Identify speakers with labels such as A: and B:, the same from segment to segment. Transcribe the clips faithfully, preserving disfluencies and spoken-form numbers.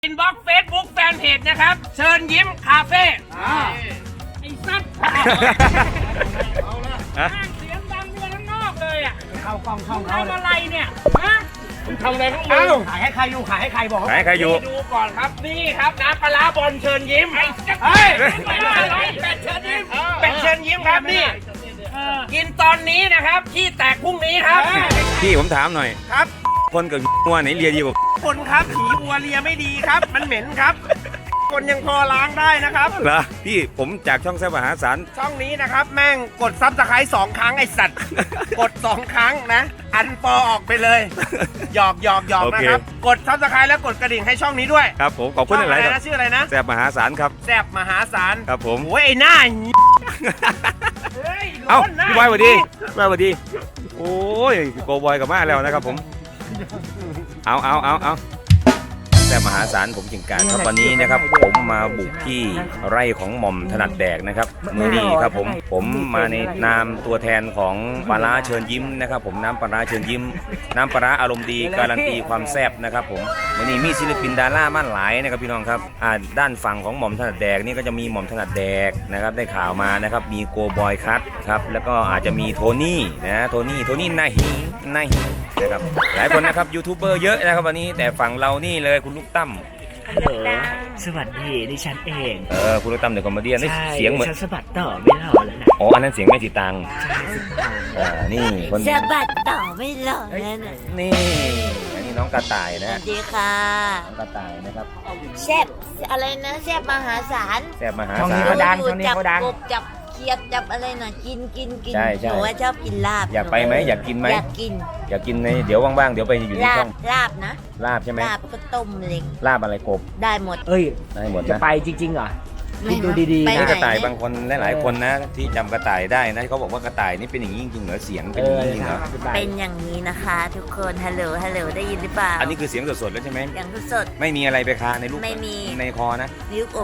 A: อินบ็อกซ์เฟซบุ๊กแฟนเพจนะครับเชิญยิ้มคาเฟ่ไอ้สัตว์เอาละเสียงดังเมืองข้างนอกเลยอ่ะเข้ากล้องเข้าเขาทำอะไรเนี่ยฮะคุณทำอะไรของมึงขายให้ใครอยู่ขายให้ใครบอกขายให้ใครอยู่ดูก่อนครับนี่ครับน้ำปลาร้าบอลเชิญยิ้มไอ้เฮ้ยเป็ดเชิญยิ้มเป็ดเชิญยิ้มครับนี่กินตอนนี้นะครับที่แตกพรุ่งนี้ครับ
B: พี่ผมถามหน่อย
A: ครับ
B: คนกับวัวไหนเลียดีกว่า
A: คนครับผีวัวเลียไม่ดีครับมันเหม็นครับคนยังพอล้างได้นะครับ
B: เหรอพี่ผมจากช่องแซ่บมหาศาล
A: ช่องนี้นะครับแม่งกดซับสไครต์สองครั้งไอสัตว์กดสองครั้งนะอันปอออกไปเลยหยอกหยอกหยอกนะครับกดซับสไครต์แล้วกดกระดิ่งให้ช่องนี้ด้วย
B: ครับผมขอบคุณอะไร
A: นะชื่ออะไรนะ
B: แซ่บมหาศาลครับ
A: แซ่บมหาศาล
B: ครับผม
A: โอ้ยไอ้หน้า
B: เอ้าพี่บอยสวัสดีพี่บอยสวัสดีโอ้ยโกบอยกับมาแล้วนะครับผมเอาเอาเอาเอาแต่มหาศาลผมจิงการครับวันนี้นะครับผมมาบุกที่ไร่ของหม่อมถนัดแดกนะครับมือนี้ครับผมผมมาในนามตัวแทนของปลาร้าเชิญยิ้มนะครับผมน้ำปลาร้าเชิญยิ้มน้ำปลาร้าอารมณ์ดีการันตีความแซ่บนะครับผมวันนี้มีศิลปินดารามั่นหลายนะครับพี่น้องครับอ่าด้านฝั่งของหม่อมถนัดแดกนี่ก็จะมีหม่อมถนัดแดกนะครับได้ข่าวมานะครับมีโกบอยคัทครับแล้วก็อาจจะมีโทนี่นะโทนี่โทนี่นาฮีนาฮีนะครับหลายคนนะครับยูทูบเบอร์เยอะนะครับวันนี้แต่ฝั่งเรานี่เลยคุณลูกตั้ม
C: ฮัลโหลสวัสดีดิฉันเอง
B: เออคุณลูกตั้มเดี๋ยวคอมเมดี้นี่เสียงเหมือน
C: ฉันสะบัดต่อไม่รอแล้วนะ
B: อ๋ออันนั้นเสียงแม่สีตังอ่านี่คน
D: สะบัดต่อไม่รอแล้วนะ
B: นี่อันนี้น้องกระต่ายนะ
D: สวัสดีค่ะ
B: น้องกระต่ายนะครับ
D: แซ่บอะไรนะแซ่บมหาศาล
B: แซ่บมหาศาล
A: ช่องนี้เขาดังช่องนี้เขาดัง
D: จับกบจับเขียดจับอะไรน่ะกินกินกิน
B: ใช่ใช่
D: หนูว่าชอบกินลาบ
B: อยากไปไหมอยากกินไหม
D: อยากกิน
B: อยากกินในเดี๋ยวว่างๆเดี๋ยวไปอยู่ในช่อง
D: ลาบนะ
B: ลาบใช่ไหม
D: ลาบก็ต้มเล็ง
B: ลาบอะไรกบ
D: ได้หมด
C: เอ้ย
B: ได้หมด
C: จะไปจริงๆเหรอคิดดูดีๆ
B: นะกระต่ายบางคนหลายๆคนนะที่จำกระต่ายได้นะเขาบอกว่ากระต่ายนี่เป็นอย่างนี้จริงๆเหรอเสียงเป็นอย่างนี้จริงเหรอ
D: เป็นอย่างนี้นะคะทุกคนฮัลโหลฮัลโหลได้ยินหรือเปล่า
B: อันนี้คือเสียงสดๆแล้วใช่ไหม
D: อย่างสด
B: ไม่มีอะไรไปคาในลูก
D: ไม่มี
B: ในคอนะ
D: นิ้วกลม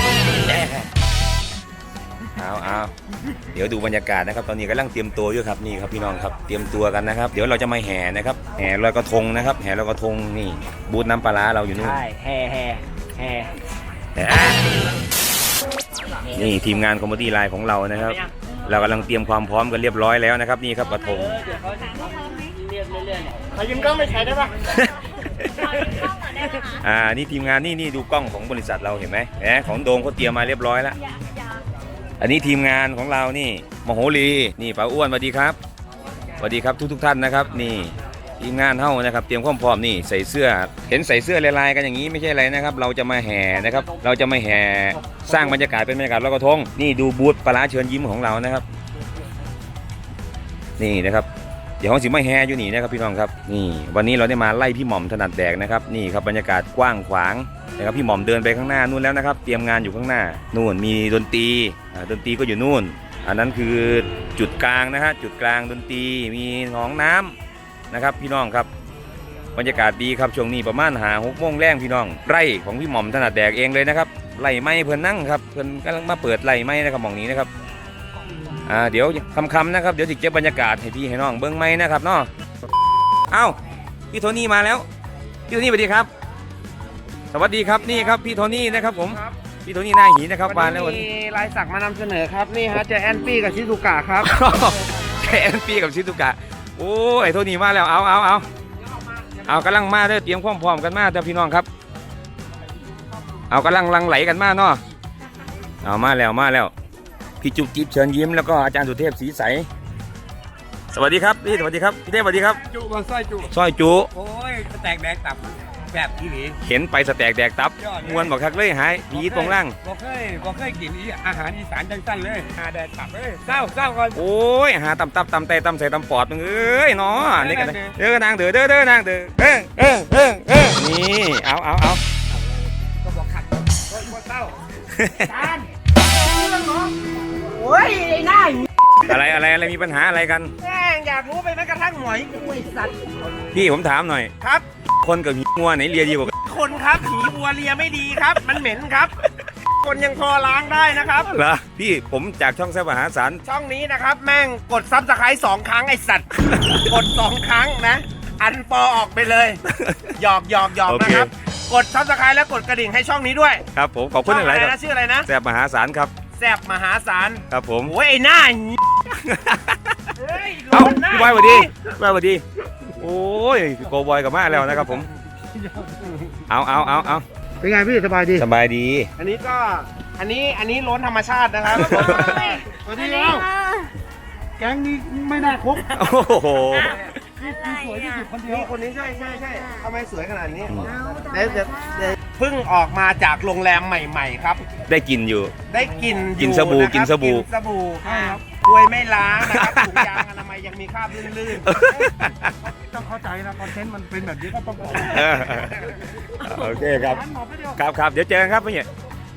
B: เอาเอาเดี๋ยวดูบรรยากาศนะครับตอนนี้กำลังเตรียมตัวอยู่ครับนี่ครับพี่น้องครับเตรียมตัวกันนะครับเดี๋ยวเราจะมาแห่นะครับแห่ลอยกระทงนะครับแห่ลอยกระทงนี่บูธน้ำปลาร้าเราอยู่นู่น
C: ใช่แห่แห่แห่
B: นี่ทีมงานคอมเมดี้ไลน์ของเรานะครับเรากำลังเตรียมความพร้อมกันเรียบร้อยแล้วนะครับนี่ครับกระทง
A: ขอยืมกล้องไปใช้ได้ปะ
B: อ่านี่ทีมงานนี่นี่ดูกล้องของบริษัทเราเห็นไหมแหมของโดมเขาเตรียมมาเรียบร้อยแล้วอันนี้ทีมงานของเรานี่มโหรีนี่ป้าอ้วนสวัสดีครับสวัสดีครับทุกทุกท่านนะครับนี่ทีมงานเฮ้านะครับเตรียมความพร้อมนี่ใส่เสื้อเห็นใส่เสื้อลายๆกันอย่างนี้ไม่ใช่อะไรนะครับเราจะมาแห่นะครับเราจะมาแห่สร้างบรรยากาศเป็นบรรยากาศลอยกระทงนี่ดูบูธปลาร้าเชิญยิ้มของเรานะครับนี่นะครับเดี๋ยวห้องสิมาแห่อยู่นี่นะครับพี่น้องครับนี่วันนี้เราได้มาไล่พี่หม่อมถนัดแดกนะครับนี่ครับบรรยากาศกว้างขวางนะครับพี่หม่อมเดินไปข้างหน้านู่นแล้วนะครับเตรียมงานอยู่ข้างหน้านู่นมีดนตรีดนตรีก็อยู่นู่นอันนั้นคือจุดกลางนะฮะจุดกลางดนตรีมีหนองน้ำนะครับพี่น้องครับบรรยากาศดีครับช่วงนี้ประมาณหาหกโมงแรงพี่น้องไร่ของพี่หม่อมถนัดแดกเองเลยนะครับไร่ไม้เพื่อนนั่งครับเพื่อนกำลังมาเปิดไร่ไม้นะครับหม่องนี้นะครับอ่าเดี๋ยวคำๆนะครับเดี๋ยวจะเก็บบรรยากาศให้พี่ให้น้องเบิ้งไม้นะครับเนาะเอ้าพี่โทนี่มาแล้วพี่โทนี่สวัสดีครับสวัสดีครับนี่ครับพี่โทนี่นะครับผมพี่โทนี่หน้าหีนะครับมาแล้ววันนี้
A: มีลายสักมานำเสนอครับนี่ฮะเจแอนปี้กับชิซุกะครับ
B: เจแอนปี้กับชิซุกะโอ้ยโทนี่มาแล้วเอาเอาเอาเอากำลังมาเด้อเตรียมพร้อมๆกันมาเด้อพี่น้องครับเอากำลังลังไหลกันมาเนาะเอามาแล้วมาแล้วพี่จุ๊บจิ๊บเชิญยิ้มแล้วก็อาจารย์สุเทพศรีใสสวัสดีครับพี่สวัสดีครับพี่เทพสวัสดีครับ
A: จุบอลสร้อยจุ
B: สร้อยจุ
A: โอ้ยสแต็กแดกตับแบบที่หนี
B: เห็นไปสแต็กแดกตับมวนบอกคักเลยหายผีตรงล่าง
A: บอกเคยบอกเคยกินอาหารอีสานจังสั้นเลยหาแดกตับเลยเศร้าเศร้าก่อน
B: โอ้ยหาตำตับตำแต่ตำใส่ตำปอดมึงเอ้ยเนาะนี่กันเด้อนางเด้อเด้อเด้อนางเด้อเออเออเออเออนี่เอาเอาเอา
A: ก็บอกขัดคนเศร้าจานโอ้ยไอ้หน้า
B: อะไรอะไรอะไรมีปัญหาอะไรกัน
A: แม่งอยากรู้ไปแม้กระทั่งหมอยกุ้ยสัตว์
B: พี่ผมถามหน่อย
A: ครับ
B: คนกับงัวไหนเลียดีกว่า
A: คนครับผีวัวเลียไม่ดีครับมันเหม็นครับคนยังพอล้างได้นะครับ
B: เหรอพี่ผมจากช่องแซ่บมหาศาล
A: ช่องนี้นะครับแม่งกดซับสไครต์สองครั้งไอสัตว์กดสองครั้งนะอันปอออกไปเลยหยอกหยอกหยอกนะครับ
E: กดซับสไครต์และกดกระดิ่งให้ช่องนี้ด้วย
B: ครับผมขอบคุณ
E: ช่อง
B: อะไร
E: อะไร
B: ครั
E: นะ
B: บ
E: ชื่ออะไรนะ
B: แซ่บมหาศาลครับ
E: แซบมหาศาล
B: ครับผม
E: โอ้ยไอ้หน้า
A: เฮ้ย
B: เอ้า
A: หน้
B: พี่บอยสวัสดีพี่บอยสวัสดีโอ้ยโกบอยกลับมาแล้วนะครับผมเอาเอาเอาเอา
F: เป็นไงพี่สบายดี
B: สบายดี
E: อันนี้ก็อันนี้อันนี้ล้นธรรมชาตินะครับ
F: สวัสดีครับแก๊งนี้ไม่น่าคบ
B: โอ้โห
F: สวยที่สุดคนเดียว
E: นี่คนนี้ใช่ใช่ใช่ทำไมสวยขนาดนี้เดี๋ยวเดี๋ยวเดี๋ยวเพิ่งออกมาจากโรงแรมใหม่ ๆ ครับ
B: ได้กินอยู่
E: ได้กลินอยู่
B: กินสบู่
E: ะครับ
B: กินสบู่
E: กินสบู่ครับกล้วยไม่ล้างนะครับถุงยางอนามัยยังมีคราบลื่น
F: ต้องเข้าใจนะคอนเทนต์มันเป็นแบบนี้ก็ต้องบอก
B: เออโอเคครับ ครับครับเดี๋ยวเจอกันครับพี่เนี่ย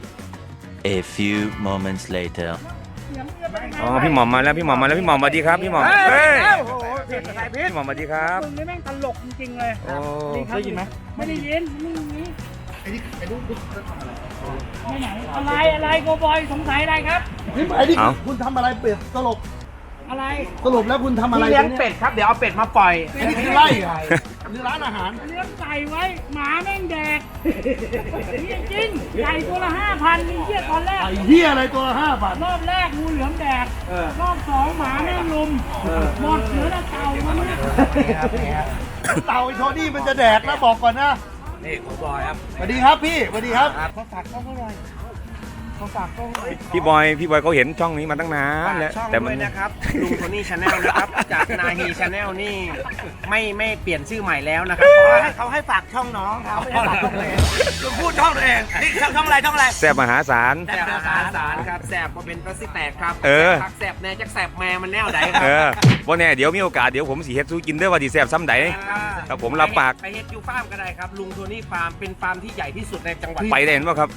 G: A few moments later.
B: อ๋อพี่หม่อมมาแล้วพี่หม่อมมาแล้วพี่หม่อมสวัสดีครับพี่หม่อมเฮ้ย
A: โอ้โหเผ็ดอะไรเผ็ด
B: พี่หม่อมสวัสดีครับ
A: มึงนี่แม่งตลกจริงๆเลย
B: โอ้
A: ได้ยินไหมไม่ได้ยินไม่ได้ยิน
F: ไอ้นี่ไอ้ลูก
A: ไม่ไหนอะไรอะไรโกบอยสงสัยอะไรครับ
F: ไอ้นี่คุณทำอะไรเป็ดสลบ
A: อะไร
F: สรุปแล้วคุณทำ
E: ๆ
F: อะไร
E: ที่เลี้ยงเป็ดครับเดี๋ยวเอาเป็ดมาปล่อย
F: ไอ้นี่คือไล่เหรอหรือร้านอาหาร
A: เลี้ยงไก่ไว้หมาแม่งแดกนี่จริงไก่ตัวละห้าพันมีเชี่ยตอนแรก
F: ไอ้เหี้ยอะไรตัวละห้าบาท
A: รอบแรกงูเหลือมแดกรอบสองหมาแม่งลุมหมดเหลือแต่เต่ามันเนี่ย
F: เต่าไอ้โทนี่มันจะแดกแล้วบอกก่อนนะ
E: นี่ผมบอยครับ
F: สวัสดีครับพี่สวัสดีครับ
E: เขาฝากกล้องหน่อยเขาฝากกล้องหน่อย
B: พี่บอยพี่บอยเขาเห็นช่องนี้มาตั้งนานแล้ว
E: ช่อง
B: แต่
E: ด้
B: มั
E: วน ยนะครับลุงโทนี่ชาแนลนะครับ จากนาฮีชาแนลนี่ไม่ไม่เปลี่ยนชื่อใหม่แล้วนะครับเพราะว่าเขาให้ฝากช่องน้องเขาไม่ได้ฝากช่องตัวเองลุงพูดช่องตัวเองนี่ช่องอะไรช่องอะไร
B: แซ่บมหาศาล
E: แสบมหาศาลครับแสบมาเป็นประสิแตกครับ
B: เออ
E: พักแสบแน่จักแสบแม่มันแนวไหนครั
B: เออวันนี้เดี๋ยวมีโอกาสเดี๋ยวผมสีเฮ็ดสู้กินเด้อว่าดีแซ่บซ้ำใดครับผมรับปาก
E: ไปเฮ็ดยูฟาร์มก็ได้ครับลุงโทนี่ฟาร์มเป็นฟาร์มที่ใหญ่ที่สุดในจังหวัด
B: ไปได้เห็นป่ะครับ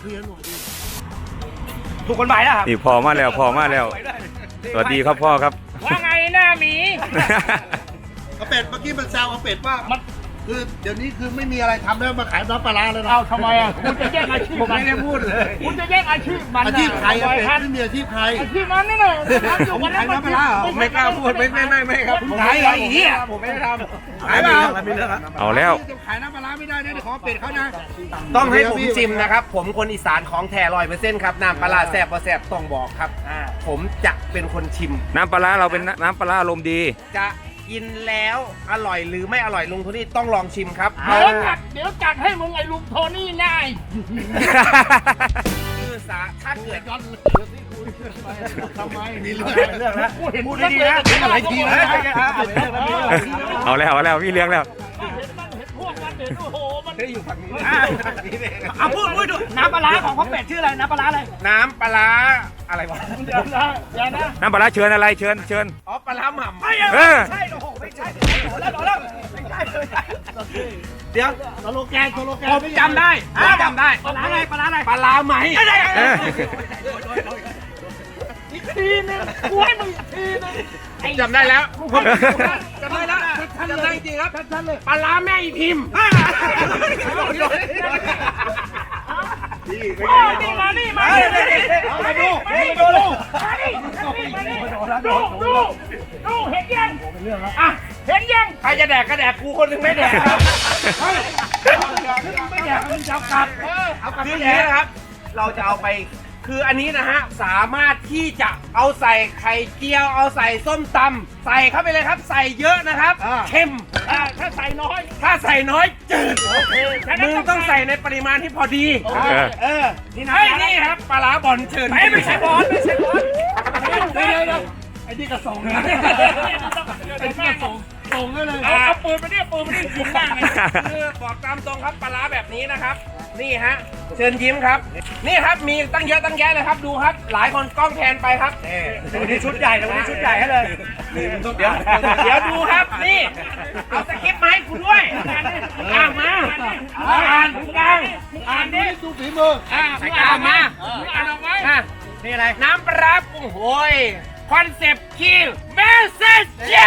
E: ถูกกฎหมายแล้วครับ
B: นี่พอมาแล้วพอมาแล้ว สวัสดีครับพ่อครับ
A: ว่าไงหน้าหมี
F: เอาเป็ดเมื่อกี้มันแซวเอาเป็ดว่ามันคือเดี๋ยวนี้คือไม่มีอะไรทำแล้วมาขายน้ำปลาร้าเลยนะเอาทำไมอ่ะ
A: คุณจะแยกอาชีพ
E: ผมไม่ได้พูดเลย
A: คุณจะแยกอาชีพมัน
F: อาชีพใคร
A: อะ
F: อะเป็ด
A: ครับ
F: ไม่มีอาชีพใคร
A: อาชีพมันนี่แหละ
F: ผมขายน้ำปลาร้าเหรอ
E: ผมไม่กล้าพูดไม่ไม่ไม่ไม่ครับ
F: ผมขายเหรอไอ้เหี้ย
E: ผมไม่ได้ทำ
F: ขายเปล่า
B: เอาแล้ว
F: ขายน้ำปลาร้าไม่ได้นะเดี๋ยวขอเป็ดเขานะ
E: ต้องให้ผมชิมนะครับ ผมคนอีสานของแท้ร้อยเปอร์เซ็นต์ครับน้ำปลาร้าแซ่บพอแซ่บต้องบอกครับผมจะเป็นคนชิม
B: น้ำปลาร้าเราเป็นน้ำปลาร้าอารมณ์ดี
E: จะกินแล้วอร่อยหรือไม่อร่อยลุงโทนี่ต้องลองชิมครับ
A: เดี๋ยวจัดเดี๋ยวจัดให้มึงไอ้ลุงโทนี่นาย
E: คือสาถ้าเกิด
F: ทำไมมีเรื่อง
E: เรื่องนะ
A: กูเห็น
E: พูดดีๆนะ
F: เป็นอะไรทีนะ
B: เอาแล้วเอาแล้วพี่เลี้ยงแล้ว
A: เห็นมันเห็นพวกมันเห็นโอ้โหมัน
E: อยู่ฝั่งนี้
A: เอาพูดพูดดูน้ำปลาร้าของพ่อเป็ดชื่ออะไรน้ำปลาร้าอะไร
E: น้ำปลาร้าอะไรวะ
A: เดี๋ยวนะเดี๋ยวนะ
B: น้ำปลาร้าเชิญอะไรเชิญเชิญ
E: อ๋อปลาร้าหม่ำ
A: ไม่
B: เออ
A: ใช่โอ้โหไม่ใช่แล้วแล้วไม่ใช่เลย
E: เดี๋ยว
F: สโลแกนสโลแกน
E: ผมจำได้ผมจำได้
A: ปลาร้าอะไรปลาร้าอะไร
E: ปลาร้าไหม
B: เออ
A: อีกทีนึงกูให้มึงอีกทีนึง
E: จำได้แล้วผมจำได้แล้วจำได้จริงครับปลาร้าแม่อีพิมพ์
A: โอ้นี่มานี่มานี่มาดูดูดูดูดูดูเห็นยังอ่ะเห็นยัง
E: ใครจะแดกก็แดกกูคนหนึงไม่แดกครับ
A: ไม่อยากมึงจะเอากลับ
E: เอากลับที่นี้นะครับ เราจะเอาไปคืออันนี้นะฮะสามารถที่จะเอาใส่ไข่เจียวเอาใส่ส้มตำใส่เข้าไปเลยครับ ใส่เยอะนะครับเค็ม
A: อ่ะถ้าใส่น้อย
E: ถ้าใส่น้อยจืด
A: โอเคฉะนั้น
E: มึงต้องใส่ในปริมาณที่พอดี
A: โอเค
E: เออนี่นะนี่ครับปลาร้าบอลเชิญ
A: ไม่ไม่ใช่บอลไม่ใช่บอล
F: เดี๋ยวเดี๋ยวไอ้นี่กระส่งนะไอ้นี่กระส่งส่งได้เลย
A: เอาเอาปืนมาเนี่ยปืนมาเนี่ยยิงหน้าไง
E: คือบอกตามตรงครับปลาร้าแบบนี้นะครับ นี่ฮะเชิญยิ้มครับ นี่ครับมีตั้งเยอะตั้งแยะเลยครับดูครับ หลายคนกล้องแทนไปครับวันนี้ชุดใหญ่เลยวันนี้ชุดใหญ่ให้เลยเดี๋ยวเดี๋ยวดูครับนี่เอาสคริปต์มาให้กูด้วยอ่านมาอ่านกลางอ่านดิ
F: ดูฝีมือ
A: อ่ะมึงอ่านออกมามึงอ่านออกมา
E: อ่ะนี่อะไรน้ำปลาร้าปรุงโหยคอนเซปต์คิวเมสเซจเจ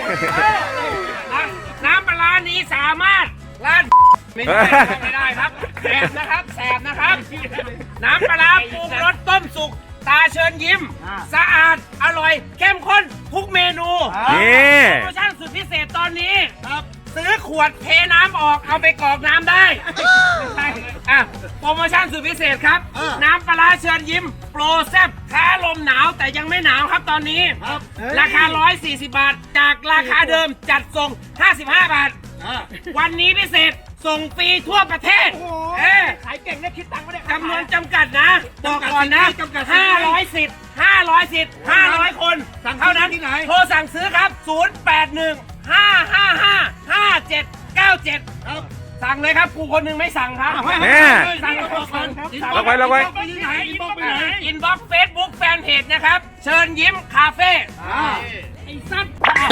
E: น้ำปลาร้านี้สามารถร้านไม่ได้ไม่ได้ครับแสบนะครับแสบนะครับ น้ำปลาร้าปรุงรสต้มสุกตาเชิญยิ้ม สะอาดอร่อยเข้มข้นทุกเมนู
B: นี่
E: โปรโมชั่นสุดพิเศษตอนนี้ครับซื้อขวดเทน้ำออกเอาไปกรอกน้ำได้ไม่ใช่อ่ะโปรโมชั่นสุดพิเศษครับ น้ำปลาร้าเชิญยิ้มโปรแซ่บท้าลมหนาวแต่ยังไม่หนาวครับตอนนี้ราคาหนึ่งร้อยสี่สิบบาท จากราคาเดิมจัดส่งห้าสิบห้าบาทวันนี้พิเศษส่งฟรีทั่วประเทศเออ
A: ขายเก่งได้คิดตังค์ไม่ได้
E: จำนวนจำกัดนะบอกก่อนนะห้าร้อยสิทธิ์ห้าร้อยสิทธิ์ห้าร้อยคนเท่านั้นโทรสั่งซื้อครับศูนย์ แปด หนึ่ง ห้า ห้า ห้า ห้า เจ็ด เก้า เจ็ดสั่งเลยครับกูคนหนึงไม่สั่งครับ
B: แม่
E: สั่งก็บอกสั่งครับ
B: ล็อกไว้ล็อกไว้
E: ไปที่ไหนอินบ็อกซ์ไปไหนอินบ็อกซ์เฟซบุ๊กแฟนเพจนะครับเชิญยิ้มคาเฟ่
A: ไอ้สัตว์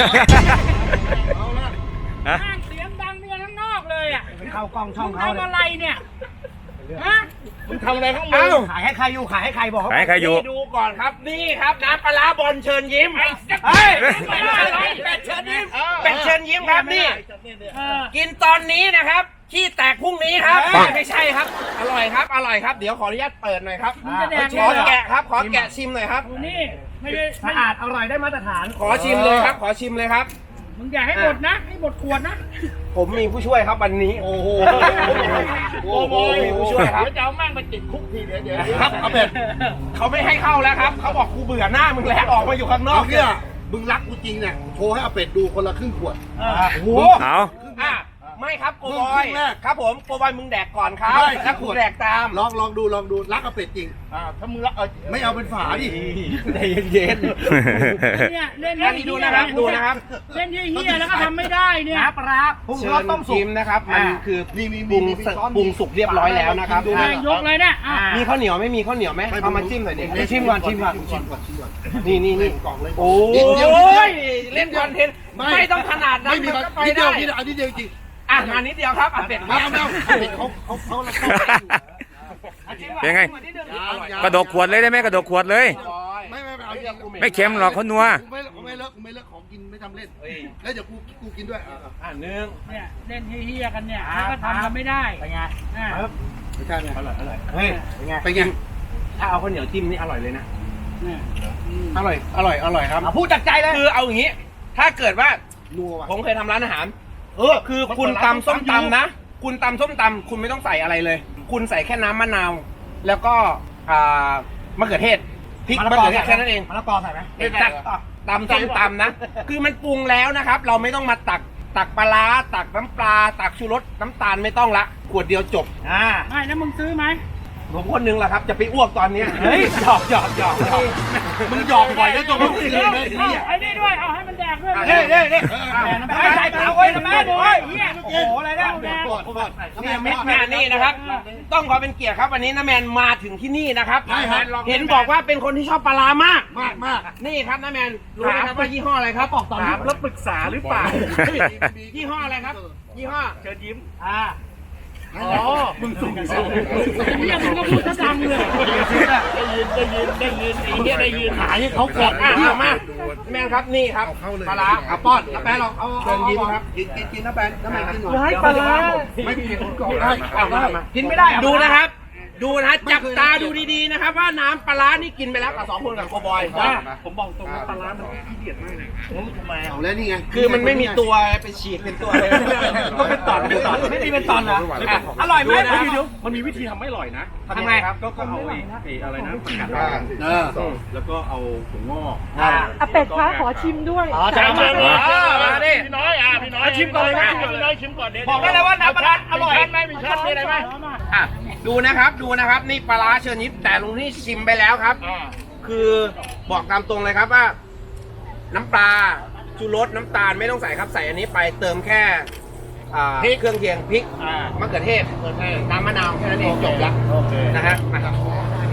B: ฮะ
A: แม่งเสียงดังเมียทั้งนอกเลยอ่ะ
C: เข้ากล้องช่อง
A: มึง
C: เขา
A: ทำ
C: เลย
A: อะไรเนี่ยฮะ
E: มึงทำอะไรข้างมึง
C: ขายให้ใครอยู่ขายให้ใครบอกเขา
B: ขายใครอยู่
E: นี่ดูก่อนครับนี่ครับน้ำปลาร้าบอลเชิญยิ้ม
A: ไอ้สัตว์
E: เฮ้ยเป็ดเชิญยิ้มเป็ดเชิญยิ้มครับนี่
A: เออ
E: กินตอนนี้นะครับขี้แตกพรุ่งนี้ครับไม่ใช่ครับ อร่อยครับอร่อยครับเดี๋ยวขออนุญาตเปิดหน่อยครับ
A: มึงจะแดก
E: ขอ
A: เลยเหรอ
E: แกะครับขอแกะชิมหน่อยครับ
A: ดูนี่ไม่ได้
C: สะอาดอร่อยได้มาตรฐาน
E: ขอชิมเลยครับ ขอชิมเลยครับ
A: มึงอย่าให้หมดนะให้หมดขวดนะ
E: ผมมีผู้ช่วยครับวันนี้ โอ้โหโอ้โหมีผู้ช่วยครับ
A: จะเอาแม่งไปติดคุกทีเดียวเดี๋ยว
E: ครับเอาเป็ดเขาไม่ให้เข้าแล้วครับเขาบอกกูเบื่อหน้ามึงแล้วออกมาอยู่ข้างนอ
F: เอา
E: ก
F: เนี่ยมึงรักกูจริงเนี่ยโชว์ให้อาเป็ดดูคนละครึ่งขวด
E: โอ้โห
B: เอา
E: อ่ะไม่ครับโกบ
F: มึ
E: อง ย
F: ครึ่งแรก
E: ครับผมโกบอยมึงแดกก่อนครับ
F: ได้
E: แล้วกูแดกตาม
F: ลองลองดูลองดูรักอาเป็ดจริง
A: ถ้ามึงละเออ
F: ไม่เอาเป็นฝาดิ
E: ใจเย็น
A: เนี่ยเล่น
E: ๆอันนี้ดูนะครับดูนะครับ
A: เล่นเฮียๆแล้วก็ทำไม่ได้เนี่ย
C: น้ำปลาร้าปรุง
E: เชิ
C: รส
E: ญ
C: ต้มสุ
E: ชิ
C: ก
E: มนะครับมันคือ
F: นี่มี
E: ปรุง
F: มีมีช้อน
E: ปรุงสุกเรียบร้อยแล้วนะครับ
A: แม่งยกเลยเนี่ยอ่ะ
E: มีข้าวเหนียวไม่มีข้าวเหนียวไหมเอามาจิ้มหน่อยดิชิมก่อนชิมก่อน
F: ชิมก่อนชิมก่อน
E: นี่นี่นี่
F: กล่องเลย
E: โอ้
F: นิดเดียว
E: ยเล่นคอนเทนต์ไม่ต้องขนาดนั้น
F: ไม่มี
E: มันก็ไป
F: นิดเดีย
E: ได้
F: วนิดเดียวอันนี้เดียวจริง
E: อ่ะมานิดเดียวครับอ่ะเป็ด
F: ไม่เอาไม่เอาเป็ดเขาเขาเขาละเขา
B: เป็นไง กระดกขวดเลยได้ไหมกระดกขวดเลย
F: ไม่ไม่ไม่เอาอย่างกู
B: ไม่เค็มหรอกเขานัว
F: กูไม่กูไม่เลิกกูไม่เลิกของกินไม่ทำเล่นแล้วเดี๋ยวกูกูกินด้วยอ่ะ
E: อ่ะหนึ่ง
A: เนี่ยเล่นเฮียๆกันเนี่ยแล้วก็ทำกันไม่ได้
C: เป็นไง
A: อ่ะ
F: ไม่ใช่เนี่ยอร่อยอร่อย
E: เฮ้ย
C: เป็นไง
F: เป็นไง
E: ถ้าเอาข้าวเหนียวจิ้มนี่อร่อยเลยนะ
A: เนี่ย
E: อร่อยอร่อยอร่อยครับ
C: เอาพูดจากใจเลย
E: คือเอาอย่างนี้ ถ้าเกิดว่า
F: นัวว่ะ
E: ผมเคยทำร้านอาหาร เออ คือคุณตำส้มตำนะ คุณตำส้มตำคุณไม่ต้องใส่อะไรเลย คุณใส่แค่น้ำมะนาว แล้วก็อ่ามะเขือเทศพริกมะเขือเทศแค่นั้นเอง
C: มะละกอใส่ไหม
E: ตักตำส้มตำนะ คือมันปรุงแล้วนะครับ เราไม่ต้องมาตักตักปลาร้าตักน้ำปลาตักชูรสน้ำตาลไม่ต้องละขวดเดียวจบ
C: อ่า
A: ไม่แล้วมึงซื้อไหม
E: ผมคนหนึงแหละครับ จะไปอ้วกตอนเนี้ยเฮ้ยหยอกหยอกหยอกหยอก
F: มึงหยอกบ่อยแล้วตัวมึง
A: เดี๋ยวเอาไอ้นี่ด้วยเอาให้มันแดกด้วย
E: เฮ้ยเฮ้ยเฮ้ย
A: ไม่ใส่เปล่าเว้ยนะแม่ดูเฮ้ยเฮียโอ้โหอะไรเนี่ยแดก
F: ก่อนก่อน
E: นี่มิตรแมนนี่นะครับ ต้องขอเป็นเกียรติครับวันนี้น้าแมนมาถึงที่นี่นะครับเห็นบอกว่าเป็นคนที่ชอบปลาร้ามาก
F: มากมาก
E: นี่ครับน้าแมนรู้ไหมครับว่ายี่ห้ออะไรครับบอกตอนนี้แล้วปรึกษาหรือเปล่ายี่ห้ออะไรครับ ยี่ห้อเชิญยิ้ม
C: อ่า
E: อ๋อมึงสูงสูง
A: เฮียมึงก็พูดซะดังเลย
E: ได้ยินได้ยินได้ยินไอ้เหี้ยได้ยินหายให้เขากดอ่ะเอามาแมนครับนี่ครับปลาร้า
F: เอาป้อนน้าแปะลองเอา
E: เชิญยิ้มครับ
F: กินกินกินน้าแปะน้าแปะกินหน่อย
E: ให้ปลาร้า
F: ไม่กินคนก่อน
E: เอามามากินไม่ได้ดูนะครับ ดูนะจับตาดูดีๆนะครับว่าน้ำปลาร้านี่กินไปแล้วกับสองคนกับโกบอยผมบอกตรงปลาร้ามันขี้เกียจมากเลย
F: เอาแล้วนี่ไง
E: คือมันไม่มีตัวไปฉีดเป็นตัวเลยก็เป็นตอนเป็นตอนไม่มีเป็นตอนเหรออร่อยไหมนะ
H: มันมีวิธีทำไม่อร่อยนะ
E: ทำไงครับ
H: ก็ก็เอาไอ้ไอ้อะไรนะผักกาด
F: อ่า
H: ด
F: เออ
H: ำแล้วก็เอาถั่วงอก
I: อาเป็ดคะขอชิมด้วย
C: อ๋อจะเอามา
E: มาดิ
H: พี่น้อยอ่ะพี่น้อยชิมก่อนเลยนะพี่น้อยชิมก่อนเดี๋ยว
E: บอกได้เลยว่าน้ำปลาร้าอร่อย
H: ไหมมีชั้นมีอะไรไหม
E: อ่ะดูนะครับดูนะครับนี่ปลาร้าเชิญยิ้มแต่ลุงนี่ชิมไปแล้วครับ คือบอกตามตรงเลยครับว่า น้ำปลาชูรสน้ำตาลไม่ต้องใส่ครับใส่อันนี้ไปเติมแค่อ่าเครื่องเคียงพริกมะเขือเทศน้ำมะนาวแค่นั้นเองจบแล้วนะฮะมาครับ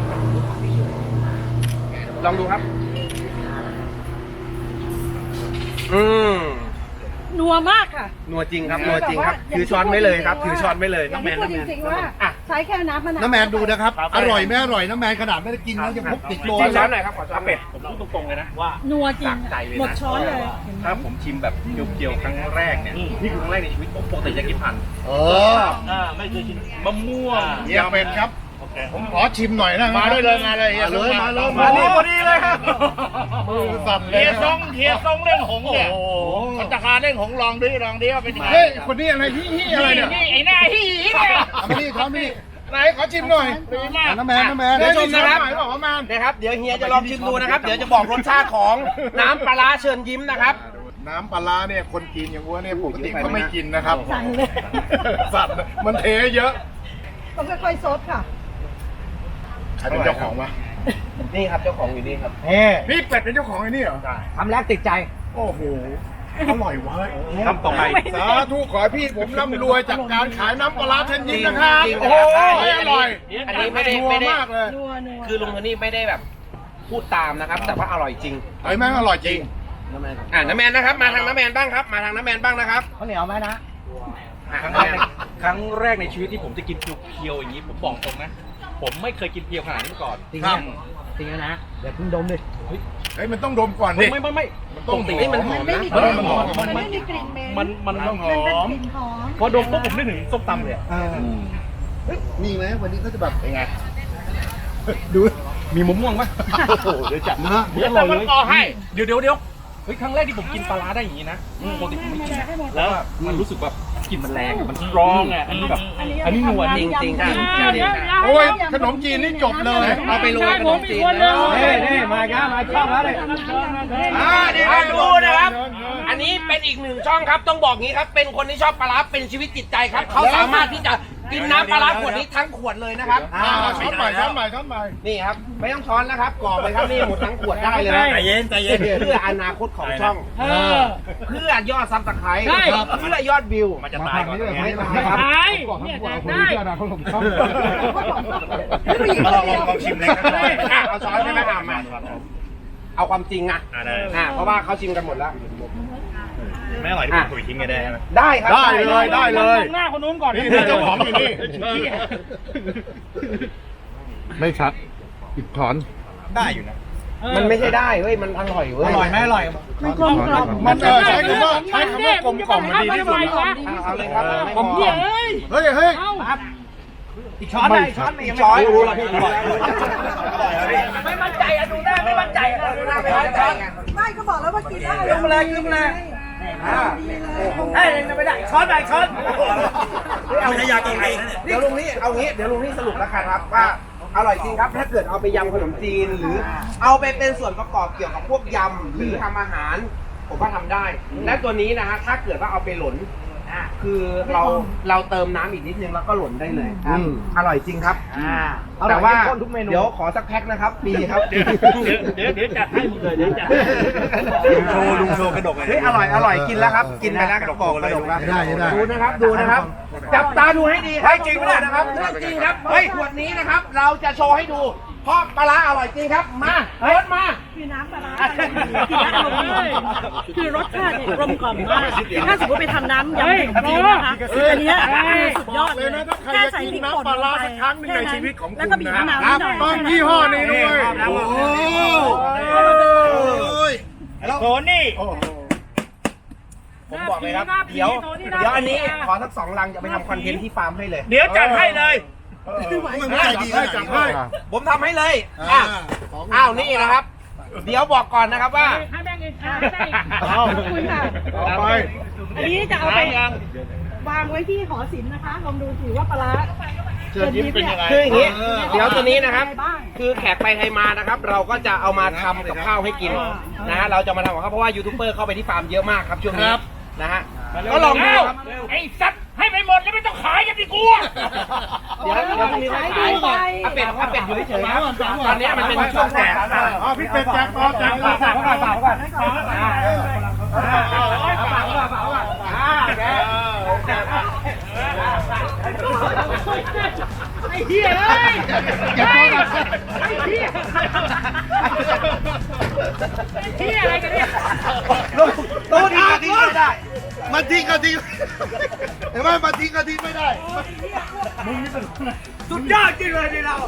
E: ลองดูครับ อืม
I: นัวมากค่ะ
E: นัวจริงครับนัวจริงครับถือช้อนไม่เลยครับถือช้อนไม่เลย
I: อย่างที่พูดจริงๆว่า
E: อ่ะ
I: ใช้แค่น้ำมะนาว
F: น้าแมนดูนะครับ อร่อยไม่อร่อยน้าแมนขนาดไม่ได้กินแล้วยังพกติดโล
E: จิ้มช้อน
F: แล้ว
E: หน่อยครับขอช้อนเป็ด
H: ผมพูดตรงๆเลยนะว่า
I: นัวจริง
H: ใจเลยนะ
I: หมดช้อนเลย
H: ถ้าผมชิมแบบเกียวๆครั้งแรกเนี่ยนี่คือครั้งแรกในชีวิตผมปกติจะกินผ่าน
F: เออ
H: อ่าไม่เคยกินมะม่วง
F: เยี่ยมเป็นครับ
H: โอเค
F: ผมขอชิมหน่อยนะมาได้เลยมาเลยมาเลยมาเลย
E: มาดีพอดีเลยครับ
F: มือสั่นเลย
C: เฮียซงเฮียซงเล่งหงเนี่ยพัตตาคารเล่งหงลองดิลองดิว่าเป็นยังไง
F: เฮ้ยคนนี้อะไรฮี่ฮี่อะไรเนี่ย
C: นี่ไอ้หน้าฮีเนี่ย
F: ทำนี่ทำนี่ไหนขอชิมหน่อยน้ำแมนน้ำแมน
E: เดี๋ยวชมนะครับ
F: บอกว่าแมน
E: นะครับเดี๋ยวเฮียจะลองชิมดูนะครับ เดี๋ยวจะบอกรสชาติของน้ำปลาร้าเชิญยิ้มนะครับ
F: น้ำปลาร้าเนี่ยคนกินอย่างวัวเนี่ยปกติเขาไม่กินนะครับสั่นมันเทเยอะ
I: ต้องค่อยๆซดค่ะ
F: ใครเป็นเจ้าของวะ
E: นี่ครับเจ้าของอยู่นี่ครับ
C: เฮ้
F: พี่เป็ดเป็นเจ้าของไอ้นี่เหรอ
C: ทำแล้วติดใจ
F: โอ้โหอร่อยเว้ย
H: ทำต่อไป
F: สาธุขอให้พี่ผมร่ำรวยจากการขายน้ำปลาร้าเทนยินนะครับ
E: จริงๆ
F: โอ้โห
E: นะครับ
F: อร่อย
E: อันนี้ไม่ได้
F: นัว
E: ไม่ได้
F: มากเลย
I: นัวนัว
E: คือลุงโทนี่ไม่ได้แบบพูดตามนะครับ แต่ว่าอร่อยจริง
F: เฮ้ยแม่งอร่อยจริง
E: อ่าน้ำแมนนะครับ มาทางน้ำแมนบ้างครับ มาทางน้ำแมนบ้างนะครับ
C: ข้าวเหนียวไหมนะ
E: อ่ะ
H: ครั้ง
E: น้ำ
H: แร
E: แม
H: ก
E: น
H: ครั้งแรกในชีวิตที่ผมจะกินเพียวๆอย่างนี้ผมบอกตรงนะ ผมไม่เคยกินเพียวขนาดนี้มาก่อน
C: จริง
F: ครั
C: นะ
F: บ
C: จริงนะเดี๋ยวเพิ่งดมดิ
F: เฮ้ยมันต้องดมก่อนดิ
H: ไม่ไม่ไม่
F: มัน
H: ป
F: ต้อง
H: กติ
F: หอ
E: นี่มันหอม
I: ไม่
E: นะ
I: มี
F: เอก อ
I: ลิ่น
F: มันหอม
I: มันไม่มีกลิ่นเหม็น
H: มันมัน
F: มันต้องห
I: มัน
F: อ
I: เป็น
F: ม
I: กลิ่นหอม
H: พอดมปุ๊บผมนึกถึงส้มตำเลยอะ
F: เฮ้ยมีไหมวันนี้เขาจะแบบเป็นไง
H: ดูมีมะม่วงไหม
F: โอ้โหเดี๋ยวจัดเนื้อ
H: เดี๋ยวอร่อยเลยเดี๋ยวเดี๋ยวเดี๋ยวเฮ้ยครั้งแรกที่ผมกินปลาร้าได้อย่างนี้นะปกติผมไม่กินนะแล้วมันรู้สึกแบบกลิ่นมันแรงอะมันสตรองอ่ะอันนี้แบบอันนี้นัว
E: จริงจริงๆครับ
F: โอ้ยขนมจีนนี่จบเลย
E: เอาไปโรยขนมจีนนะ
C: เฮ้เฮ้มาจ้ามาชอบแล้วเลย
E: อ่านี่ครับดูนะครับ อันนี้เป็นอีกหนึ่งช่องครับ ต้องบอกงี้ครับ เป็นคนที่ชอบปลาร้าเป็นชีวิตจิตใจครับ เขาสามารถที่จะกินน้ำปลาร้าขวดนี้ทั้งขวดเลยนะครับ
F: อ่าช้อนใหม่ช้อนใหม่ช้อนใหม่
E: นี่ครับ ไม่ต้องช้อนนะครับกรอกเลยครับนี่หมดทั้งขวดได้เลยนะ
H: ใจเย็นใจเย็น
E: เพื่ออนาคตของช่อง
C: เออ
E: เพื่อยอดซับสไครต์
C: ใช่
E: เพื่อยอดวิว
H: มันจะตายก่อนเนี่ย
E: ไม่ตายครับ
C: ตายเนี่ยแดกได้
H: มาลองลองชิมเลยครับ
E: อ่ะเอาช้อนใช่ไหมอ่ะมาเอาความจริงอ่ะ
H: อ่าได้
E: อ่ะเพราะว่าเขาชิมกันหมดแล้ว
H: ไม่อร่อยที่ผมคุยทิ้งไงได้ไหม
E: ได้ครับ
F: ได้เลยได้เลย
C: มองหน้าคนนู้นก่อน
F: นี่นี่เจ้าของอยู่นี่ ไม่ชัดอีกถอน
H: ได้อยู่นะ
E: มันไม่ใช่ได้เว้ยมันอร่อยเว้ย
C: อร่อยไหมอร่อย
I: มันกลมกล่อม
F: มันเออใช้คำว่าใช้คำว่ากลมกล่อมมันดีที่สุด
E: เอาเลยครับ
C: ผมเหี้ยเอ้ย
F: เฮ้ยเฮ้ย
C: อีกช้อนได้อีกช้อนอีก
E: ช้อน
C: รู้
E: รู้
C: แล้
E: แล้ว ว
C: พี่
E: พี่ไม่มั่นใจอะดูหน้าไม่มั่นใจอะดูหน้าไม่มั่นใจไง
I: ไม่ก็บอกแล้วว่ากินได้
C: ขึ้นมาเลยขึ้นมาเลย
I: ดีเลย
C: เฮ้ยไม่ได้ช้อนได้ช้อน
E: เอาไม่ได้ยากินไงเดี๋ยวลุงนี่เอางี้เดี๋ยวลุงนี่สรุปแล้วกันครับว่าอร่อยจริงครับถ้าเกิดเอาไปยำขนมจีนหรือ เอาไปเป็นส่วนประกอบเกี่ยวกับพวกยำหรือทำอาหาร ผมว่าทำได้ และตัวนี้นะฮะถ้าเกิดว่าเอาไปหล่นอ่ะคือเราเราเติมน้ำอีกนิดนึงแล้วก็หล่นได้เลยครับอร่อยจริงครับ
C: อ่า
E: แต่ว่า
C: ทุกเมนู
E: เดี๋ยวขอสักแพ็คนะครับปีครับ
H: เดี๋ยวเดี๋ยวเดี๋ยวจัดให้มึงเลยเดี๋ยวจัดลุงโชว์ลุงโชว์กระดกเลย
E: เฮ้ยอร่อยอร่อยกินแล้วครับ กินไปแล้วกระบอกกระดกแล้ว
F: ได้ได้
E: ดูนะครับดูนะครับ จับตาดูให้ดีครับจริงไหมนะครับเรื่องจริงครับเฮ้ยขวดนี้นะครับ เราจะโชว์ให้ดูเพราะปลาร้าอร่อยจริงครับมาเฮ้ยมา
I: คือน้ำปลาร้าคือรสชาติเนี่ยกลมกล่อมมากถ้าสมมติไปทำน้ำยำขนมจีนนะคะอันเนี้ยคือสุดยอดเลย
F: นะถ้าใคร
I: แค่
F: จะ
I: ใส่
F: กิน
I: พริกป่น
F: น้ำปลา
I: ล
F: ร้าง
I: ไป
F: สักครั้งหนึ่งในชีวิตของ
I: แล้ว
F: คุ
I: ก็
F: ณ
I: บีบ
F: นะ
I: มะนาว
F: ค
I: นิ
F: รั
I: ด
F: บ
I: หน่อย
F: ต้องยี่ห้อนี้ด้วย
E: โอ้โห
H: โทนี่
E: ผมบอกเลยครับเดี๋ยวเดี๋ยวอันนี้ขอสักสองลังจะไปทำคอนเทนต์ที่ฟาร์มให้เลย
H: เดี๋ยวจัดให้เลย
F: มันใจดีให้จับให้
E: ผมทำให้เลยอ่ะอ้าวนี่นะครับ เดี๋ยวบอกก่อนนะครับว่า
I: ให้แม่งอีกอ่ะให้แม่งอีกขอบคุณค่ะ
F: ต่อไป
I: อันนี้จะเอาไปวางไว้ที่หอศิลป์นะคะลองดูสิว่าปลาร้า
F: เชิญยิ้มเป็นยังไง
E: คืออย่างนี้ เดี๋ยวตัวนี้นะครับ
I: อะไรบ้าง
E: คือแขกไปไทยมานะครับ เราก็จะเอามาทำกับข้าวให้กินนะฮะเราจะมาทำกับข้าวเพราะว่ายูทูบเบอร์เข้าไปที่ฟาร์มเยอะมากครับช่วงนี้นะฮะก็ลองดูครับ
C: ไอ้สัตว์ให้ไปหมดแล้วไม่ต้องขายกันดิกูอ่ะ
E: เดี๋ยวเดี๋ยวพรุ่งนี้เขาขายก่อนอาเป็ดอาเป็ดอยู่เฉยๆครับตอนนี้มันเป็นช่วงแจก
F: อ๋อพี่เป็ดแจกต่อแจกต่อ
C: ฝากก่อนฝากก่อนไอ้เหี้ยเอ้ยไอ้เหี้ยไอ้เหี้ยอะไรกันเนี่ย
E: ตู้นี้ก็ทิ้งไม่ได้
F: มาทิ้งก็ทิ้งเห็นไหมมาทิ้งก็ทิ้งไม่ได้
C: สุดยอดจริงเลยนี่เรา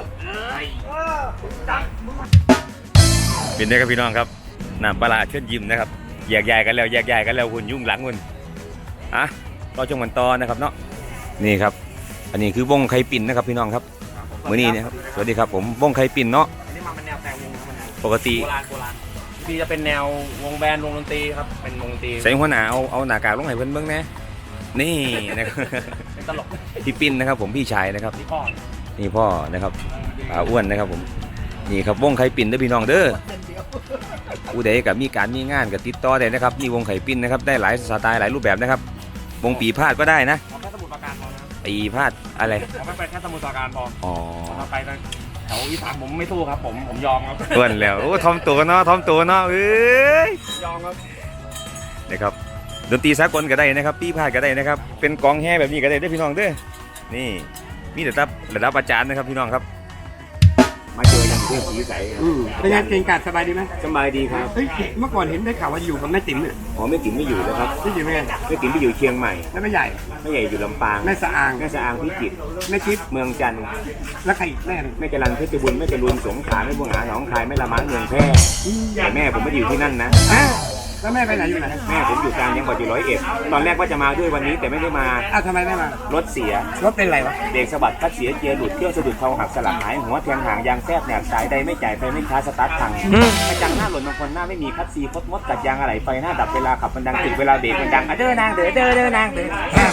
B: เป็นได้ครับพี่น้องครับน้ำปลาร้าเชิญยิ้มนะครับแยกย้ายกันแล้วแยกย้ายกันแล้วคุณยุ่งหลังคุณอ่ะก็จงมันต่อนะครับเนาะนี่ครับ อันนี้คือวงไข่ปิ่นนะครับพี่น้องครับมื้อนี้นะครับสวัสดีครับผมวงไข่ปิ่นเนาะ
E: อันนี้มาเป็นแนวแต่วงนะมัน
B: ปกติ
E: โบราณโบราณพี่จะเป็นแนววงแบนด์วงดนตรีครับเป็นวงดนตรี
B: ใส่หัวหน้าเอาเอาหน้ากากลงให้เพิ่นเบิ่งแหน่นี่นะครับ
E: เป็นตลก
B: พี่ปิ่นนะครับผมพี่ชายนะครับ
E: พี่พ่อ
B: นี่พ่อนะครับอ่าอ้วนนะครับผมนี่ครับวงไข่ปิ่นเด้อพี่น้องเด้อผู้ใดกับมีการมีงานกับติดต่อได้นะครับนี่วงไข่ปิ่นนะครับได้หลายสไตล์หลายรูปแบบนะครับวงปีพาดก็ได้นะ
E: เอาแค่สมุทรปราการพอนะ
B: ปีพาดอะไร
E: เอาไม่ไปแค่สมุทรปราการพอ
B: อ๋อ
E: เอาไปทางแถวอีสานผมไม่สู้ครับผมผมยอมครับ
B: อ้วนแล้วโอ้ทอมตัวเนาะทอมตัวเนาะเอ้ย
E: ยอมครับ
B: นะครับดนตรีสากลก็ได้นะครับปีพาดก็ได้นะครับเป็นกองแห่แบบนี้ก็ได้เด้อพี่น้องเด้อนี่มีแต่ระดับระดับอาจารย์นะครับพี่น้องครับมาเจออย่างเพื่อนสีใส
E: เป็นไงเก่งกาจสบายดีไหม
B: สบายดีครับ
E: เฮ้ยเมื่อก่อนเห็นได้ข่าวว่าอยู่กับแม่ติ๋มเนี่ย
B: อ๋อไม่ติ๋มไม่อยู่แล้วครับ
E: ที่อยู่ไง
B: ไม่ติ๋มไปอยู่เชียงใหม่
E: แล้วแม่ใหญ่
B: ไม่ใหญ่อยู่ลำปาง
E: แม่สะอาง
B: แม่สะอางพิจิตร
E: แม่จิ๊บ
B: เมืองจันทร์
E: แล้วใครอีกแม่หนึ่ง
B: แม่จรันเพชรบุญแม่จรุนสงขลาแม่บัวหาหนองคายแม่ละมังเมืองแพร่แต่แม่ผมไม่ได้อยู่ที่นั่นนะ
E: อ่ะแล้วแม่ไปไหนอยู่ไหน
B: แม่ผมอยู่กลางจังหวัดอยู่ร้อยเอ็ดตอนแรกว่าจะมาด้วยวันนี้แต่ไม่ได้มา
E: อ้าวทำไมไม่มาร
B: ถเสีย
E: รถเป็นไรวะ
B: เบรกสะบัดคัดเสียเกียร์หลุดเครื่องสะดุดเข่าหักสลักหายหัวแทงหางยางแทบแหนบสายใดไม่จ่ายไฟไม่ค้าสตาร์ทพังกระจังหน้าหล่นบางคนหน้าไม่มีคัดซีคดมดกัดยางอะไรไฟหน้าดับเวลาขับมันดังถึงเวลาเบรกมันดังอ่ะเด้อนางเด้อเด้อเด้อนางเด้อ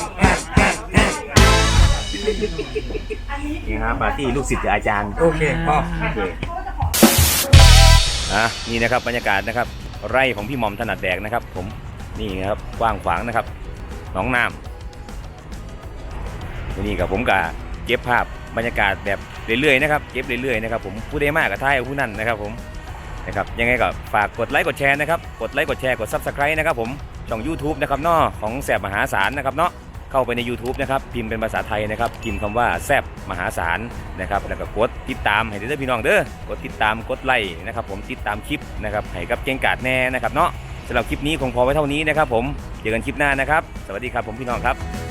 B: นี่ครับปาร์ตี้ลูกศิษย์กับอาจารย์
E: โอเคพ่อ
B: โอเคอ่ะนี่นะครับบรรยากาศนะครับไร่ของพี่หม่อมถนัดแดกนะครับผมนี่นะครับกว้างขวางนะครับหนองน้ำวันนี้กับผมกับเก็บภาพบรรยากาศแบบเรื่อยๆนะครับเก็บเรื่อยๆนะครับผมผู้ใดมากกับท้ายผู้นั้นนะครับผมนะครับยังไงก็ฝากกดไลค์กดแชร์นะครับกดไลค์กดแชร์กด ซับสไครบ์ นะครับผมช่อง ยูทูบ นะครับเนาะของแสบมหาศาลนะครับเนาะเข้าไปใน ยูทูบ นะครับพิมพ์เป็นภาษาไทยนะครับพิมพ์คำว่าแซบมหาศาลนะครับแล้วก็กดติดตามให้ได้พี่น้องเด้อกดติดตามกดไลค์นะครับผมติดตามคลิปนะครับให้กับเก่งกาจแน่นะครับเนาะสำหรับคลิปนี้คงพอไว้เท่านี้นะครับผมเจอกันคลิปหน้านะครับสวัสดีครับผมพี่น้องครับ